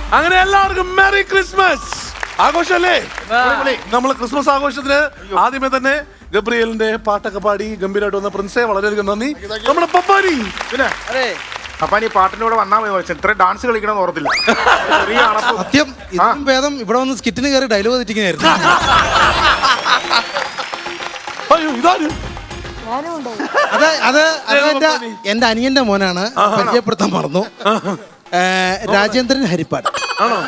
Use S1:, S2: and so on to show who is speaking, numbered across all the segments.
S1: അങ്ങനെ എല്ലാവർക്കും merry Christmas ആഘോഷല്ലേ. നമ്മള് ക്രിസ്മസ് ആഘോഷത്തിന് ആദ്യമേ തന്നെ ഗബ്രിയലിന്റെ പാട്ടൊക്കെ പാടി ഗംഭീരമായിട്ട് വന്ന പ്രിൻസെ വളരെയധികം നന്ദി. നമ്മുടെ പപ്പാനി
S2: പിന്നെ പപ്പാനി പാട്ടിന്റെ കൂടെ വന്നാൽ മതി. ഇത്ര ഡാൻസ് കളിക്കണമെന്ന് ഓർത്തില്ല.
S3: സത്യം ഇതിനും ഭേദം ഇവിടെ വന്ന് സ്കിറ്റിന് കയറി ഡയലോഗ് തെറ്റിങ്ങനായിരുന്നു.
S1: അയ്യോ ഇതാര്?
S3: അത് എന്റെ അനിയന്റെ മോനാണ്, പരിചയപ്പെടുത്താൻ മറന്നു. രാജേന്ദ്രൻ ഹരിപ്പാട്
S1: ആണോ?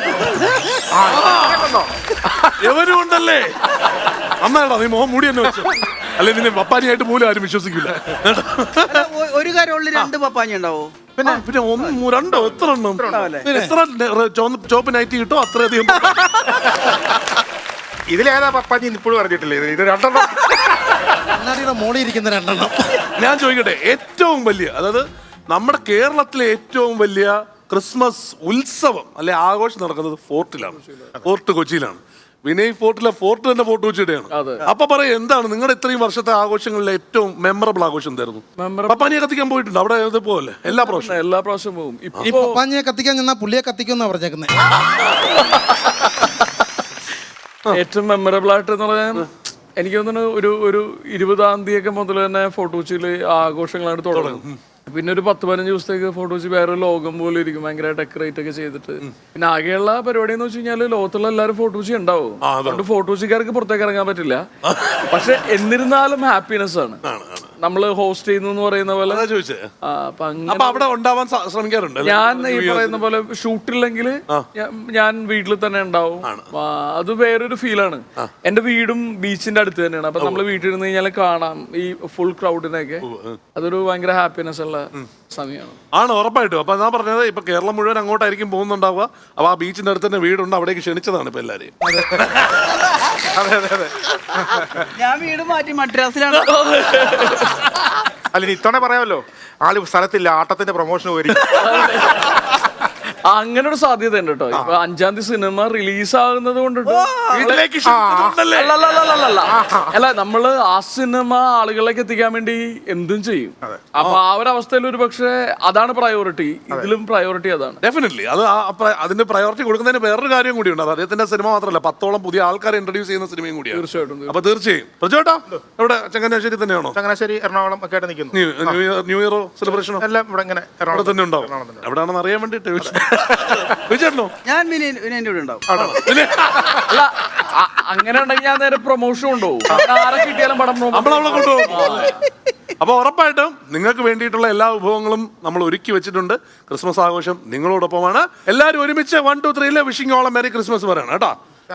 S1: എവരും ഉണ്ടല്ലേ? അന്നാടാ നീ മോഹം മൂടി തന്നെ വെച്ചു. അല്ലെ നിന്നെ പപ്പാനിയായിട്ട് പോലും ആരും വിശ്വസിക്കില്ല.
S4: ഒരു കാര്യമുള്ള രണ്ട് പപ്പാനി ഉണ്ടാവോ?
S1: പിന്നെ രണ്ടോ എത്ര എണ്ണം? എത്ര ചോപ്പ് നൈറ്റ് കിട്ടോ അത്രയധികം.
S2: ഇതിലേതാ പപ്പാനി ഇപ്പോഴും പറഞ്ഞിട്ടില്ലേ? ഇത് രണ്ടെണ്ണം
S3: കണ്ണാടിയുടെ മോളിൽ ഇരിക്കുന്ന രണ്ടെണ്ണം.
S1: ഞാൻ ചോദിക്കട്ടെ, ഏറ്റവും വലിയ, അതായത് നമ്മുടെ കേരളത്തിലെ ഏറ്റവും വലിയ ക്രിസ്മസ് ഉത്സവം അല്ലെ ആഘോഷം നടക്കുന്നത് ഫോർട്ട് കൊച്ചിയിലാണ്. വിനയ് ഫോർട്ട് തന്നെ ഫോർട്ട് കൊച്ചിയുടെയാണ്. അപ്പൊ പറയാം, എന്താണ് നിങ്ങളുടെ ഇത്രയും വർഷത്തെ ആഘോഷങ്ങളിലെ ഏറ്റവും മെമ്മറബിൾ ആഘോഷം എന്തായിരുന്നു? പപ്പാനിയെ കത്തിക്കാൻ പോയിട്ടുണ്ട് അവിടെ? പോലെ എല്ലാ പ്രാവശ്യം പോകും.
S3: ഈ പപ്പാനിയെ കത്തിക്കാൻ ചെന്നാ പുള്ളിയെ കത്തിക്കുമെന്നാ പറഞ്ഞേക്കുന്നത്.
S5: ഏറ്റവും മെമ്മറബിൾ ആയിട്ട് എന്ന് പറയാൻ എനിക്ക് തോന്നുന്നു ഒരു 20-ാം തീയതി മുതൽ തന്നെ ഫോർട്ട് കൊച്ചിയിൽ ആഘോഷങ്ങളായിട്ട് തുടങ്ങും. പിന്നെ ഒരു 10-15 ദിവസത്തേക്ക് ഫോർട്ട് കൊച്ചി വേറെ ലോകം പോലെ ഇരിക്കും, ഭയങ്കര ഡെക്കറേറ്റ് ഒക്കെ ചെയ്തിട്ട്. പിന്നെ ആകെയുള്ള പരിപാടി എന്ന് വെച്ച് കഴിഞ്ഞാൽ ലോകത്തുള്ള എല്ലാവരും ഫോർട്ട് കൊച്ചി ഉണ്ടാവും. അതുകൊണ്ട് ഫോർട്ട് കൊച്ചിക്കാർക്ക് പുറത്തേക്ക് ഇറങ്ങാൻ പറ്റില്ല. പക്ഷെ എന്നിരുന്നാലും ഹാപ്പിനെസ് ആണ് നമ്മള് ഹോസ്റ്റ് ചെയ്യുന്നു പറയുന്ന പോലെ.
S1: അവിടെ ഉണ്ടാവാൻ ശ്രമിക്കാറുണ്ട്.
S5: ഞാൻ ഈ പറയുന്ന പോലെ ഷൂട്ടില്ലെങ്കിൽ ഞാൻ വീട്ടിൽ തന്നെ ഉണ്ടാവും. അത് വേറൊരു ഫീലാണ്. എന്റെ വീടും ബീച്ചിന്റെ അടുത്ത് തന്നെയാണ്. അപ്പൊ നമ്മള് വീട്ടിൽ ഇരുന്ന് കഴിഞ്ഞാൽ കാണാം ഈ ഫുൾ ക്രൗഡിനൊക്കെ. അതൊരു ഭയങ്കര ഹാപ്പിനെസ് ഉള്ള സമയമാണ്.
S1: ആണ് ഉറപ്പായിട്ടും. അപ്പൊ ഞാൻ പറഞ്ഞത് ഇപ്പൊ കേരളം മുഴുവൻ അങ്ങോട്ടായിരിക്കും പോകുന്നുണ്ടാവുക. അപ്പൊ ആ ബീച്ചിന്റെ അടുത്ത് തന്നെ വീടുണ്ട്, അവിടേക്ക് ക്ഷണിച്ചതാണ് ഇപ്പൊ എല്ലാരെയും.
S4: ഞാൻ വീട് മാറ്റി മദ്രാസിലാണ്.
S2: അല്ല ഇത്തവണ പറയാമല്ലോ, ആള് സ്ഥലത്തില്ല, ആട്ടത്തിന്റെ പ്രൊമോഷൻ വരും.
S5: അങ്ങനെ ഒരു സാധ്യത ഉണ്ട് കേട്ടോ. ഇപ്പൊ 5-ാം തീയതി സിനിമ റിലീസ് ആകുന്നത് കൊണ്ടിട്ട് അല്ല, നമ്മള് ആ സിനിമ ആളുകളിലേക്ക് എത്തിക്കാൻ വേണ്ടി എന്തും ചെയ്യും. അപ്പൊ ആ ഒരു അവസ്ഥയിൽ ഒരു പക്ഷേ അതാണ് പ്രയോറിറ്റി. ഇതിലും പ്രയോറിറ്റി അതാണ്.
S1: ഡെഫിനറ്റ്ലി അത് അതിന്റെ പ്രയോറിറ്റി കൊടുക്കുന്നതിന് വേറൊരു കാര്യം കൂടിയുണ്ട്. അത് അദ്ദേഹത്തിന്റെ സിനിമ മാത്രമല്ല, 10ഓളം പുതിയ ആൾക്കാരെ ഇൻട്രൊഡ്യൂസ് ചെയ്യുന്ന സിനിമയും കൂടിയാണ്.
S5: തീർച്ചയായിട്ടും.
S1: അപ്പൊ തീർച്ചയായും പ്രജോട്ടാ ഇവിടെ ചങ്ങനാശ്ശേരി തന്നെയാണോ?
S2: ചങ്ങനാശ്ശേരി എറണാകുളം ഒക്കെ ആയിട്ട് നിൽക്കുന്നു.
S1: ന്യൂ ഇയറോ സെലിബ്രേഷനോ
S2: എല്ലാം ഇവിടെ ഇങ്ങനെ
S1: അവിടെ തന്നെ ഉണ്ടാവും. എവിടെയാണെന്ന് അറിയാൻ വേണ്ടിട്ട് വിജയനോ?
S4: ഞാൻ വിനയന്റെ കൂടെ ഉണ്ടാവും.
S5: അല്ല, അങ്ങനെ ഉണ്ടെങ്കിൽ ഞാൻ നേരെ പ്രൊമോഷൻ കൊണ്ടുപോകും. ആരെ കിട്ടിയാലും പടം
S1: നമ്മളവിടെ കൊണ്ടുപോകും. അപ്പൊ ഉറപ്പായിട്ടും നിങ്ങൾക്ക് വേണ്ടിയിട്ടുള്ള എല്ലാ വിഭവങ്ങളും നമ്മൾ ഒരുക്കി വെച്ചിട്ടുണ്ട്. ക്രിസ്മസ് ആഘോഷം നിങ്ങളോടൊപ്പമാണ്. എല്ലാവരും ഒരുമിച്ച് 1, 2, 3 wishing all a merry Christmas പറയണം കേട്ടോ.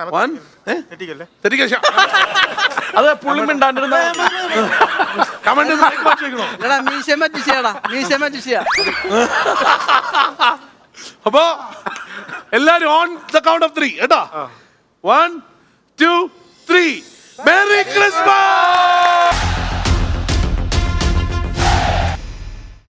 S5: അത് പുള്ളി മിണ്ടാണ്ടിരുന്ന
S1: അപ്പൊ എല്ലാരും ഓൺ ദ കൗണ്ട് ഓഫ് 3 കേട്ടോ. 1